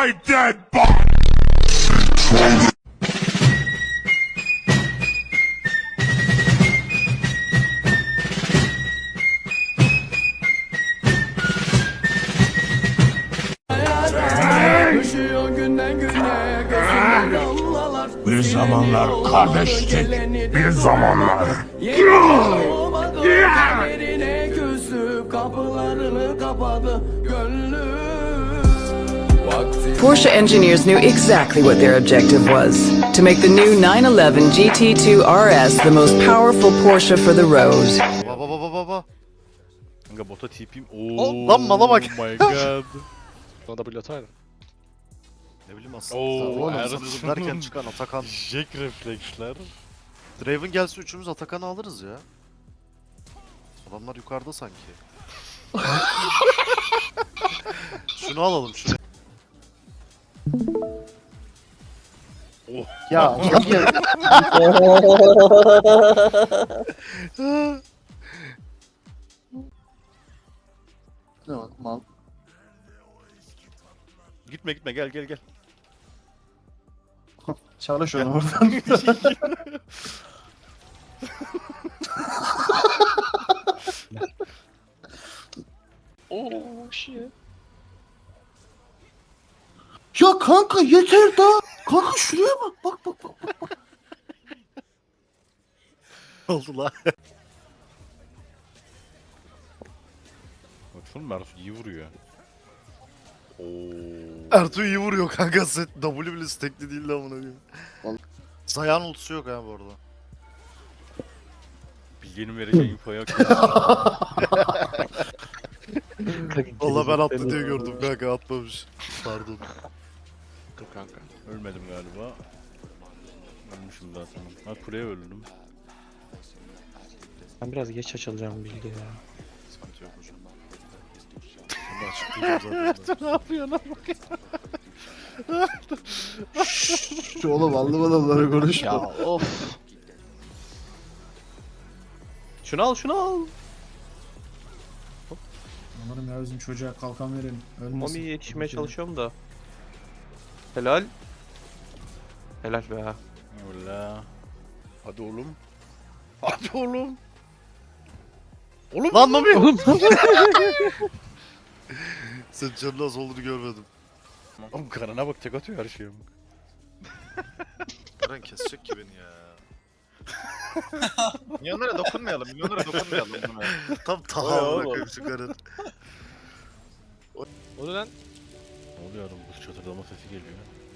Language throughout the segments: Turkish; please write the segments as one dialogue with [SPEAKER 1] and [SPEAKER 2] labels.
[SPEAKER 1] my dead body! Bir zamanlar kardeştik, bir zamanlar.
[SPEAKER 2] Porsche engineers knew exactly what their objective was: to make the new 911 GT2 RS the most powerful Porsche for the road.
[SPEAKER 3] Baba.
[SPEAKER 4] Kanka bota TP'yim.
[SPEAKER 3] Lan mala bak.
[SPEAKER 4] Oh my god.
[SPEAKER 5] Bana W ataydı.
[SPEAKER 3] Ne bileyim aslında.
[SPEAKER 4] Oo,
[SPEAKER 3] Oğlum
[SPEAKER 4] Ertuğrul.
[SPEAKER 3] sanıyordum derken çıkan Atakan.
[SPEAKER 4] Jack refleksler.
[SPEAKER 3] Draven gelse üçümüz Atakan'ı alırız ya. Adamlar yukarıda sanki. Şunu alalım şunu.
[SPEAKER 6] Ya ne bak mal.
[SPEAKER 4] Gitme gel.
[SPEAKER 6] Çalış onu oradan.
[SPEAKER 5] Oh shit.
[SPEAKER 6] Ya kanka yeter da. Kanka şuraya bak. Bak.
[SPEAKER 3] Oldu la.
[SPEAKER 4] Baksana Mersu iyi vuruyor. Oo.
[SPEAKER 3] Ertuğ iyi vuruyor kanka. W bile stekli değil lan buna diyor.
[SPEAKER 6] Vallahi.
[SPEAKER 3] Zayan ultusu yok ha bu arada.
[SPEAKER 4] Bilge'nin vereceği info yok.
[SPEAKER 3] Valla ben attı diye gördüm kanka atmamış. Pardon.
[SPEAKER 5] Dur kanka.
[SPEAKER 4] Ölmedim galiba. Ölmüşüm zaten. Ha kuleye öldüm.
[SPEAKER 5] Ben biraz geç açılacağım bilgi ya.
[SPEAKER 3] Sıkıntı yok hocam. Şimdi açıklayacağım zaten.
[SPEAKER 4] Ne yapıyorsun lan?
[SPEAKER 6] Şu oğlum anlamadanları konuşma.
[SPEAKER 5] Ya of. Şunu al.
[SPEAKER 7] Umarım ya bizim çocuğa kalkan verelim. Ölmesin.
[SPEAKER 5] Mami yetişmeye çalışıyorum da. Helal. Helal be.
[SPEAKER 4] Yolla. Hadi oğlum. Hadi oğlum. Oğlum.
[SPEAKER 3] Lan Mami! Sen canın az olduğunu görmedim.
[SPEAKER 4] Oğlum karına bak tek atıyor her şeyim.
[SPEAKER 3] Eren kesecek ki beni ya.
[SPEAKER 8] Milyonlara dokunmayalım.
[SPEAKER 3] Tam taha bırakıyor şu karın.
[SPEAKER 5] O ne lan?
[SPEAKER 4] Ne oluyor oğlum? Buz çatırdama sesi geliyor.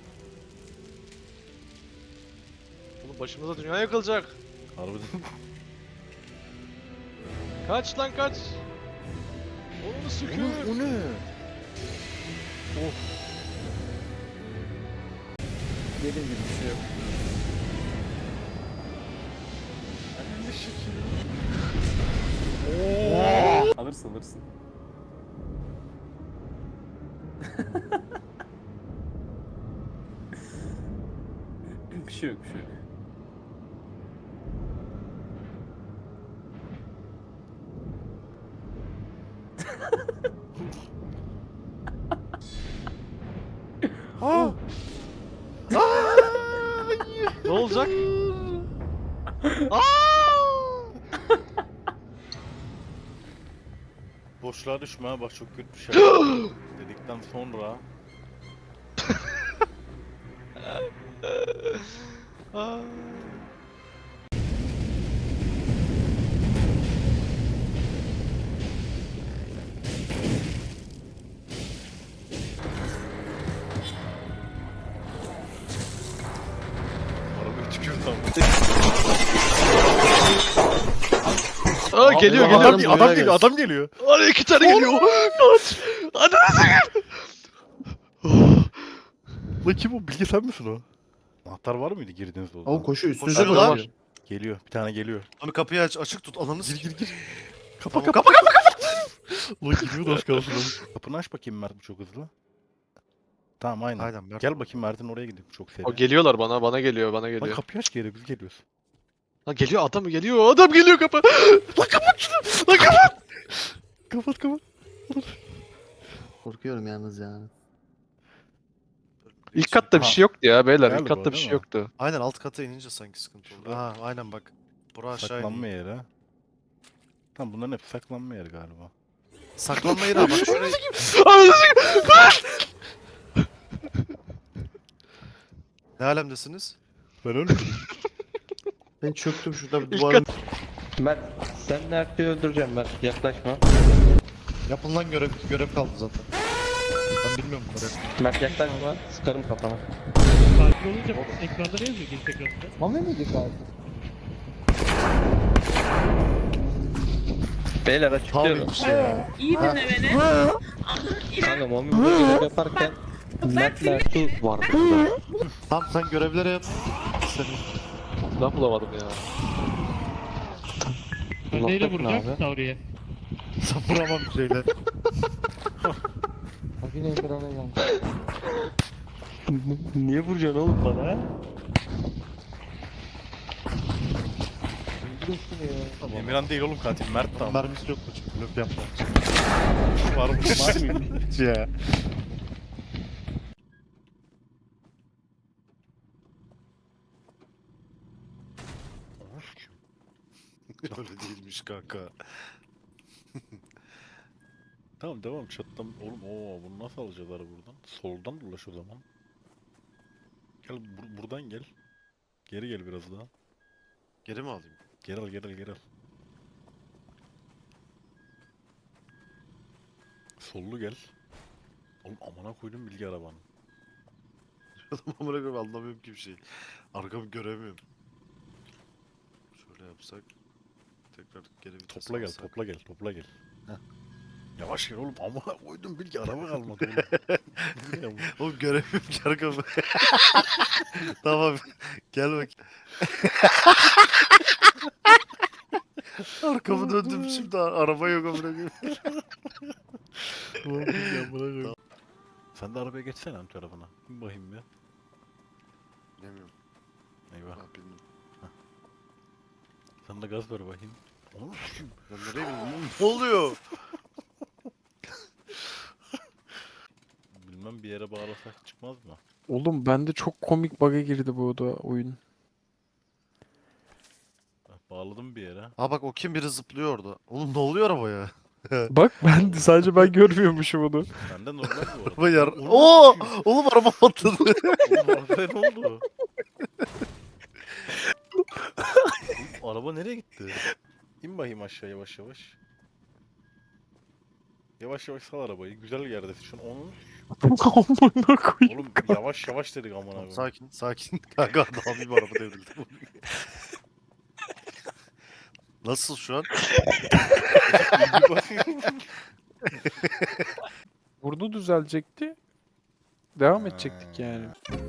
[SPEAKER 5] Oğlum başımıza dünya yakılacak.
[SPEAKER 4] Harbiden.
[SPEAKER 5] Kaç lan kaç. Onu sükür.
[SPEAKER 4] O ne?
[SPEAKER 6] Dediğim gibi bir şey yok.
[SPEAKER 9] Alırsın. Bir şey yok.
[SPEAKER 5] Ne olacak?
[SPEAKER 4] Boşluğa düşme ha bak çok kötü bir şey. Dedikten sonra. Arabayı tükürdü
[SPEAKER 5] Aa geliyor
[SPEAKER 4] Adam geliyor.
[SPEAKER 5] Ana iki tane geliyor. Kaç.
[SPEAKER 4] Lan kim o? Bilge sen misin o? Anahtar var mıydı girdiğinizde o zaman?
[SPEAKER 6] Ama koşuyor üstünüze
[SPEAKER 3] Koşuyorlar.
[SPEAKER 6] koşuyor.
[SPEAKER 4] Geliyor. Bir tane geliyor.
[SPEAKER 3] Mami kapıyı açık tut alanı
[SPEAKER 4] Gir.
[SPEAKER 3] Tamam,
[SPEAKER 4] Kapa. Lan giriyor az kalsın lan. Kapını aç bakayım Mert bu çok hızlı. Tamam aynen.
[SPEAKER 3] Aynen Mert.
[SPEAKER 4] Gel bakayım Mert'in oraya gidip çok seri.
[SPEAKER 5] O geliyorlar bana geliyor.
[SPEAKER 4] Lan kapıyı aç geri biz geliyoruz.
[SPEAKER 5] Lan geliyor adam geliyor kapı.
[SPEAKER 4] Lan kapat şunu. Lan kapat. Kapat.
[SPEAKER 6] Korkuyorum yalnız ya.
[SPEAKER 8] İlk katta bir şey yoktu ya beyler.
[SPEAKER 4] Galiba,
[SPEAKER 8] İlk katta bir
[SPEAKER 4] değil
[SPEAKER 8] şey
[SPEAKER 4] mi?
[SPEAKER 8] yoktu.
[SPEAKER 3] Aynen alt kata inince sanki sıkıntı oldu.
[SPEAKER 4] Şurada.
[SPEAKER 3] Ha aynen bak. Bura aşağı
[SPEAKER 4] Saklanma
[SPEAKER 3] iniyor.
[SPEAKER 4] yeri. Tamam bunların hep saklanma yeri galiba.
[SPEAKER 3] Saklanma yeri ama bak şurayı. Ne alemdesiniz?
[SPEAKER 4] Ben ölmedim.
[SPEAKER 6] Ben çöktüm şurada bir
[SPEAKER 8] İlk
[SPEAKER 6] duvarın.
[SPEAKER 9] Mert sen Mert'i öldüreceğim Mert. Yaklaşma.
[SPEAKER 5] Yapın lan görev kaldı zaten. Ben bilmiyorum bunları.
[SPEAKER 9] Mert yaklaşma. Sıkarım kafana.
[SPEAKER 10] Sakin olunca ekranda ne yazıyor giriş ekranında?
[SPEAKER 6] Mami miydi abi?
[SPEAKER 9] Beyler açıklıyorum.
[SPEAKER 5] Abi işte ya.
[SPEAKER 11] İyi dinle beni.
[SPEAKER 9] Kanka Mami burada görev yaparken Mert Mert'u vardı burada.
[SPEAKER 5] Tamam sen görevleri yap.
[SPEAKER 8] Silah bulamadım ya.
[SPEAKER 10] Ben neyle
[SPEAKER 9] Nokta ne
[SPEAKER 10] vuracağım
[SPEAKER 9] abi?
[SPEAKER 10] Tauri'ye?
[SPEAKER 5] Sen vuramam bir şeyler.
[SPEAKER 9] Niye vuracaksın oğlum bana?
[SPEAKER 4] Emirhan değil oğlum katil. Mert tamam.
[SPEAKER 5] Mermisi yok mu? Löp yapma.
[SPEAKER 4] Varmış.
[SPEAKER 5] Var mıymış ya?
[SPEAKER 3] Öyle değilmiş kanka.
[SPEAKER 4] Tamam devam çatlam. Oğlum bunu nasıl alacağız ara buradan? Soldan dolaş o zaman. Gel buradan gel. Geri gel biraz daha.
[SPEAKER 3] Geri mi alayım?
[SPEAKER 4] Geri al geri al geri al. Sollu gel. Oğlum amına koydum bilgi arabanı.
[SPEAKER 3] Amına koyayım anlamıyorum ki bir şey. Arkamı göremiyorum. Şöyle yapsak. Tekrar geri vites
[SPEAKER 4] Topla gel
[SPEAKER 3] alsak.
[SPEAKER 4] topla gel topla gel. Heh. Yavaş gel oğlum amına koydum bilgi araba kalmadı oğlum.
[SPEAKER 3] Oğlum göremiyorum ki arkamı. Tamam. Gel bak. Arkamı döndüm şimdi araba yok amına koyayım.
[SPEAKER 4] Ulan bilgi amına koydum. Sen de arabaya geçsene ön tarafına. Bir bakayım bir.
[SPEAKER 3] Bilmiyorum.
[SPEAKER 4] Eyvah.
[SPEAKER 3] Ben bilmiyorum.
[SPEAKER 4] Sen de gaz ver bakayım. Oğlum sikeyim.
[SPEAKER 3] Ben nereye bilmiyorum. Ne oluyor?
[SPEAKER 4] Bilmem bir yere bağlasak çıkmaz mı?
[SPEAKER 8] Oğlum bende çok komik bug'a girdi bu da oyun.
[SPEAKER 4] Bağladım bir yere.
[SPEAKER 3] Ha bak o kim biri zıplıyor orada. Oğlum ne oluyor arabaya?
[SPEAKER 8] Bak ben sadece ben görmüyormuşum onu.
[SPEAKER 4] Bende normal bu arada.
[SPEAKER 3] Araba yar.
[SPEAKER 4] Oğlum,
[SPEAKER 3] Oo!
[SPEAKER 4] sikeyim.
[SPEAKER 3] Oğlum araba patladı.
[SPEAKER 4] Oğlum arabaya ne oldu? Oğlum, araba nereye gitti? İn bakayım aşağı yavaş yavaş. Yavaş yavaş sal arabayı. Güzel yerdesin şu an. Onun...
[SPEAKER 8] Amına koyayım.
[SPEAKER 4] Oğlum yavaş yavaş dedik amına koyayım.
[SPEAKER 3] Sakin sakin. Kanka daha bir araba devrildi. Nasıl şu an?
[SPEAKER 8] Burnu düzelecekti. Devam edecektik yani.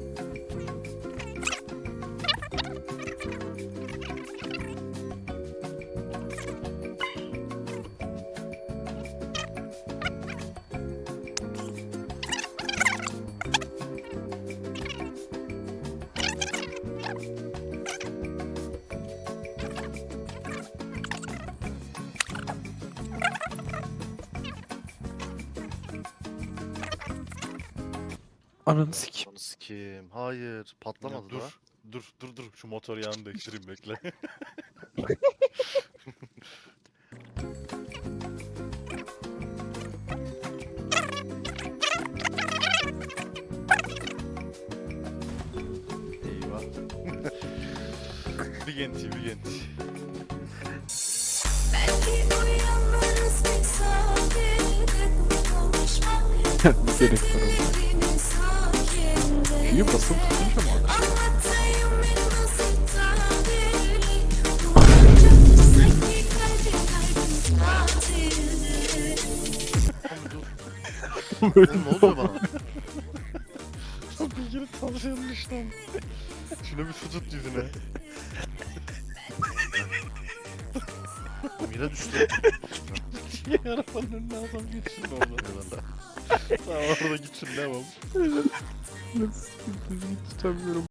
[SPEAKER 8] Ananı sikeyim.
[SPEAKER 3] Onu sikeyim. Hayır. Patlamadı
[SPEAKER 4] dur,
[SPEAKER 3] da.
[SPEAKER 4] dur. Şu motor yağını değiştireyim bekle. Eyvah. Bir genti.
[SPEAKER 8] Bir gerek var orada. Büyü basıp tutunca mı alır?
[SPEAKER 3] Oğlum ne oluyor bana?
[SPEAKER 4] Bilginin tavşanın işte. Şuna bir su tut yüzüne.
[SPEAKER 3] Oğlum yine düştü.
[SPEAKER 4] Arabanın önüne adam geçsin orada. Tamam orada gitsin devam.
[SPEAKER 8] Tutamıyorum.